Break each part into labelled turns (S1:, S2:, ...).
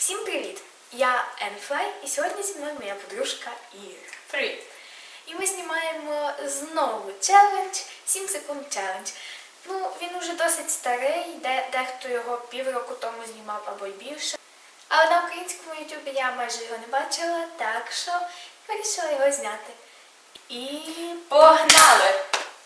S1: Всім привіт! Я Енфлай і сьогодні зі мною моя подружка Іра.
S2: Привіт!
S1: І ми знімаємо знову челендж 7 секунд челендж. Ну, він уже досить старий, дехто його півроку тому знімав або й більше. Але на українському ютубі я майже його не бачила, так що вирішила його зняти. І
S2: Погнали!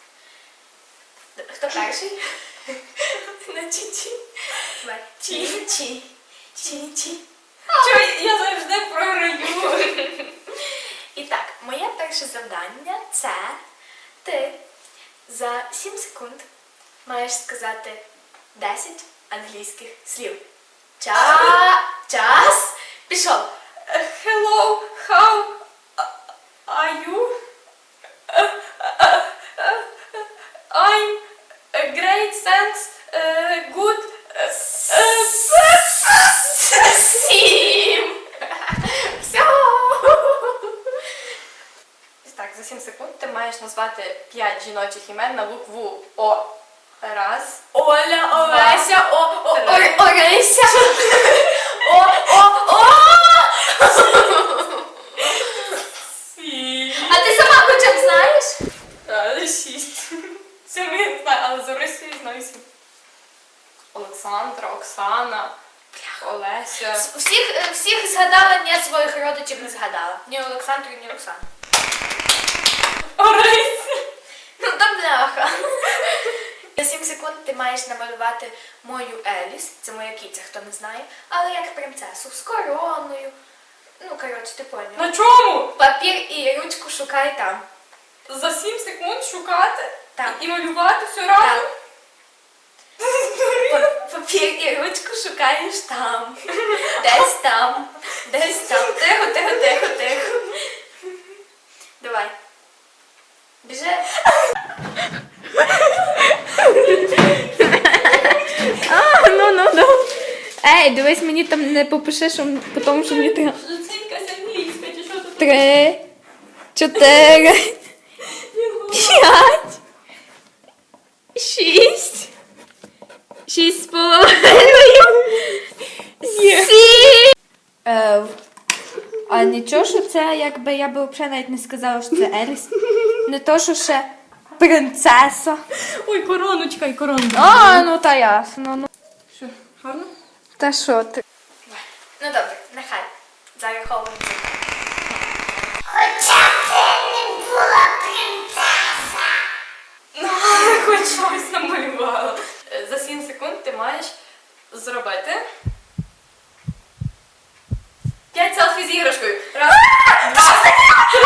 S1: хто перший? На чі-чі. Давай. Чі-чі. Чі-чі.
S2: Чого я завжди програю?
S1: І так, моє перше завдання – це ти за 7 секунд маєш сказати 10 англійських слів. Час пішов.
S2: Hello, how are you? I'm great, thanks, good.
S1: 7! Все!
S2: Так, за 7 секунд ти маєш назвати 5 жіночих імен на букву О. Раз.
S1: Оля,
S2: Два,
S1: Олеся,
S2: три.
S1: Орися. О. А ти сама хоча б знаєш?
S2: 6. Це я не знаю, але за Росію знаю 7. Олександра, Оксана, Олеся.
S1: Всіх згадала, ні своїх родичів не згадала. Ні Олександру, ні Оксану.
S2: Орися.
S1: Ну та бляха. За 7 секунд ти маєш намалювати мою Еліс, це моя кіця, хто не знає, але як принцесу, з короною. Ну, коротше, ти поняла.
S2: На чому?
S1: Папір і ручку шукай там.
S2: За 7 секунд шукати
S1: Так.
S2: і малювати все разом?
S1: Папір і ручку шукаєш там. Десь там. Десь там. Тихо. Давай. Біжи.
S3: Ну. Ей, дивись, мені там не попиши, що, тому що мені треба.
S2: Це якась англійська, чи що тут?
S3: 3, 4, 5, 6, 6,5, 7. А нічого, що це, якби я би взагалі навіть не сказала, що це Еліс. Не то, що ще принцеса.
S2: Ой, короночка і коронка.
S3: А, ну та ясно. Ну.
S2: Що, гарно?
S3: Та що ти?
S1: Ну добре, нехай. Зараховуємо.
S2: Ну, хоч щось намалювала. За 7 секунд ти маєш зробити 5 селфі з іграшкою. Раз, два, три,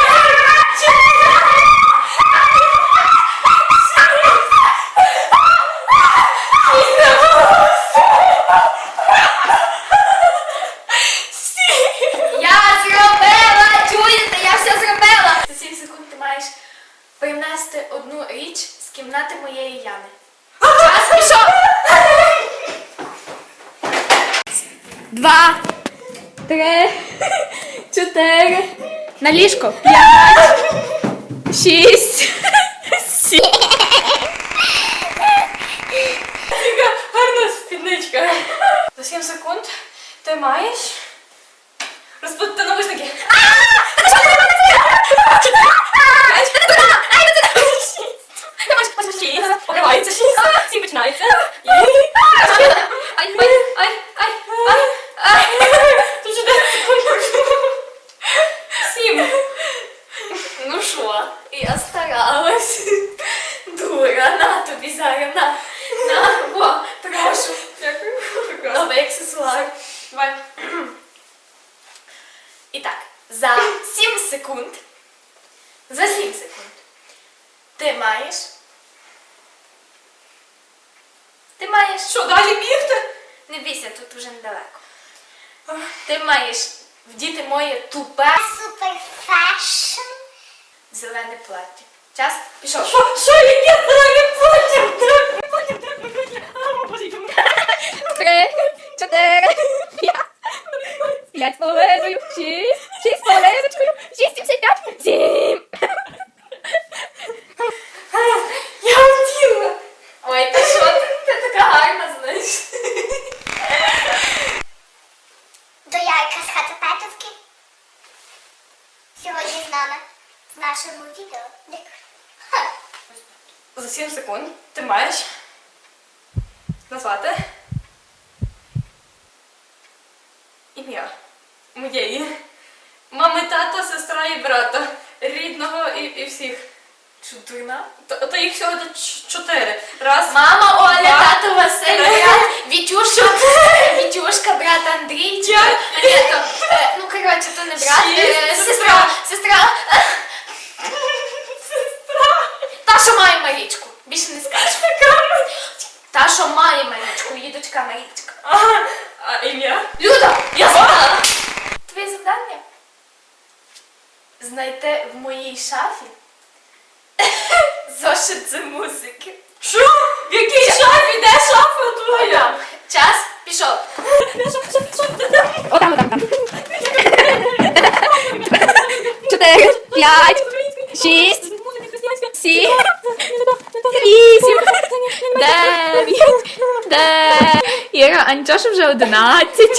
S1: Я зробила! Чуєте, я все зробила! За 7 секунд ти маєш принести одну річ з кімнати моєї Яни. Час пішов!
S3: 2, 3, 4, на ліжко, 5, 6, 7.
S2: Яка гарна спідничка. За 7 секунд ти маєш розпутати навушники. Покривається 6, 7 починається. Ай. Тут же 10 секунд. 7.
S1: Ну що, я старалась. Дура, на тобі зараз, на, о, прошу.
S2: Дякую.
S1: Новий аксесуар.
S2: Давай.
S1: І так, за 7 секунд, ти маєш,
S2: Що, далі бігти?
S1: не бійся, тут уже недалеко. Ти маєш вдіти моє тупе
S4: Супер фешн.
S1: зелене плаття. Час пішов.
S2: Що яке далі потім?
S3: 3, 4, 5, 5,5, 6, 6,5, 6,75, 7.
S2: Я втіла.
S1: Ой, та що ти така гарна, знаєш.
S4: То я Ірка з Хацапетовки. Сьогодні з нами в нашому відео. Ха.
S2: За 7 секунд ти маєш назвати ім'я моєї мами, тата, сестра і брата, рідного і всіх.
S1: Чудина.
S2: То їх всього 4. Раз.
S1: Мама Оля,
S2: Два.
S1: тато Василь, брат Вітюшок, Вітюшка, брат Андрійчик. А ні, то, ну, коротше, то не брат,
S2: Шість.
S1: сестра. Та, що має Марічку. Більше не скажу. Та, що має Марічку, її дочка Марічка.
S2: А ім'я?
S1: Люда, я знала. Твоє завдання знайти в моїй шафі зошит з музики.
S2: Що? В якій шафі? Де шафа твоя?
S1: Там. Час пішов.
S3: Отам. 4, 5, 6, 7, 8, 9, Іра, а нічого, що вже 11.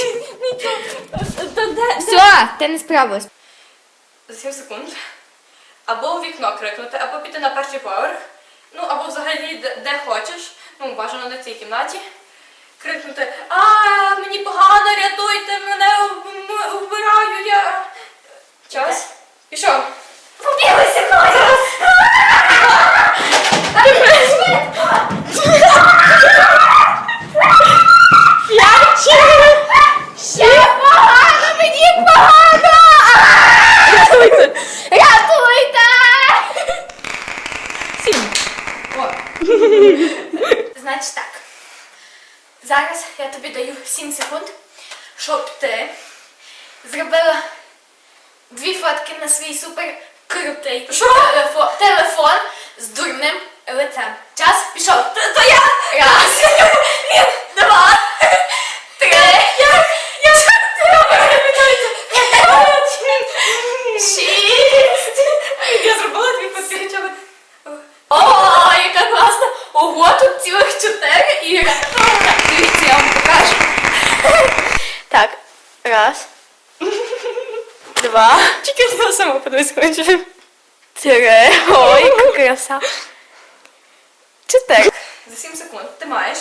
S3: Все, ти не справилась.
S2: За 7 секунд. Або у вікно крикнути, або піти на перший поверх. Ну, або взагалі де хочеш. Ну, бажано не в цій кімнаті. Крикнути: мені погано, рятуйте, мене вбираю, я. Час. Пішов.
S1: Побігли зі мною. Ще погано, мені погано. Рятуйте.
S3: 7.
S1: Значить так. Зараз я тобі даю 7 секунд, щоб ти зробила 2 фотки на свій супер крутий телефон з дурним лицем. Час пішов. То я. Раз. 2. 3. 6.
S2: Я зробила 2 фотки.
S1: О, яка класна! Ого, тут цілих 4 Іра. Дивіться, я вам покажу. Так, раз. 2.
S2: Тільки я сама подивись хочу.
S1: 3. Ой, яка краса. 4.
S2: За 7 секунд ти маєш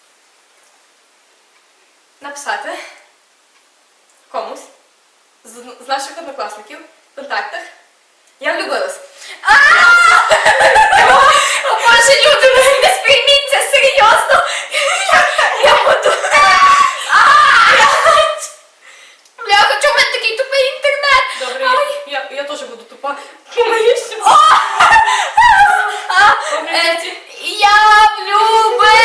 S2: написати комусь з наших однокласників в контактах: я влюбилась.
S1: О, Боже, люди, ви не сприйміть це серйозно. Я буду... Бляха, чому в мене такий тупий інтернет?
S2: Добре,
S1: Ой.
S2: я теж буду тупа. Помилишся.
S1: Я влюбилась.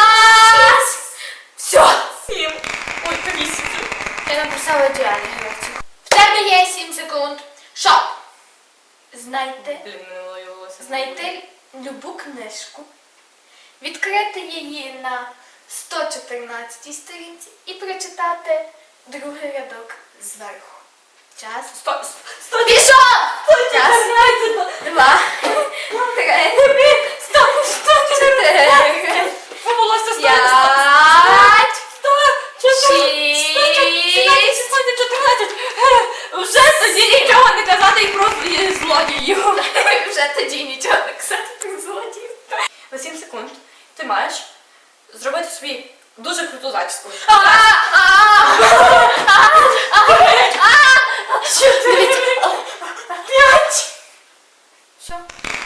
S1: Все.
S2: 7. Ой, 8.
S1: Я написала ідеальний гравців. В тебе є 7 секунд. Щоб знайти
S2: Блін, не ловилося.
S1: знайти любу книжку, відкрити її на 114 сторінці і прочитати другий рядок зверху. Час. Пішов! Час. 2, 3, 4,
S2: Волосся
S1: 5, 6.
S2: 14. Вже тоді нічого не казати і просто є злодіїв.
S1: Вже тоді нічого не казати про злодіїв.
S2: За 7 секунд ти маєш зробити собі дуже круту зачіску.
S1: Дивіться. 5. Що?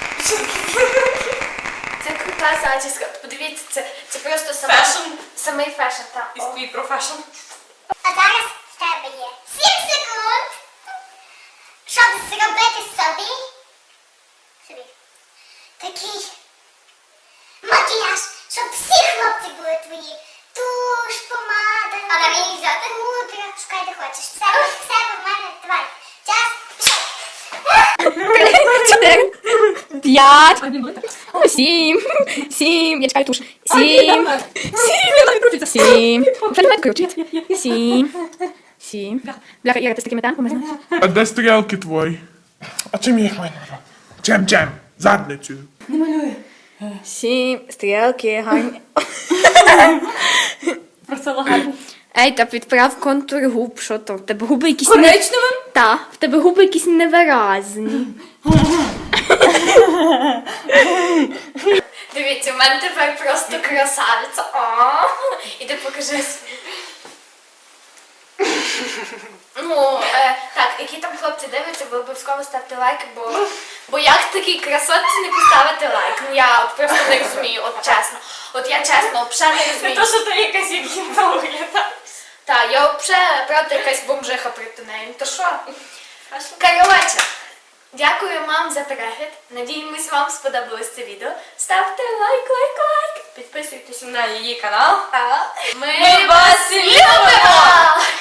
S1: Це крута зачіска. Подивіться, це просто
S2: Фешн.
S1: самий фешн.
S2: І твій профешн.
S4: А зараз в тебе є 7 секунд, щоб зробити собі такий макіяж, щоб всі хлопці були твої. Туш, помада. А на мені взяти? Пудра. Шукай, де хочеш. Все в мене. Давай. Час. Пішов.
S3: 4, 5, 7, я чекаю туш. 7, 7, вже не крутить. 7. Бляха, Іра, ти з такими темпами, знаєш?
S5: А де стрілки твої? А чим я їх маю намалювати? Чим? Задницею.
S3: 7, стрілки, гарні.
S2: Просто лагально.
S3: Ей, та підправ контур губ, що то? В тебе губи якісь
S2: Коричневим?
S3: Та, в тебе губи якісь невиразні.
S1: Дивіться, у мене тепер просто красавиця. О, іди покажись. Ну, так, які там хлопці дивляться, ви обов'язково ставте лайк, бо як такій красотці не поставити лайк? Ну я от просто не розумію, от чесно. От я чесно, взагалі не
S2: Не
S1: розумію.
S2: то, що ти якась як гімна виглядає.
S1: Так, я взагалі, правда, якась бомжиха проти неї. Ну то що? Коротше, дякую вам за перегляд. Надіємось, вам сподобалось це відео. Ставте лайк, лайк, лайк. Підписуйтесь
S2: На її канал.
S1: на
S2: Ми вас любимо!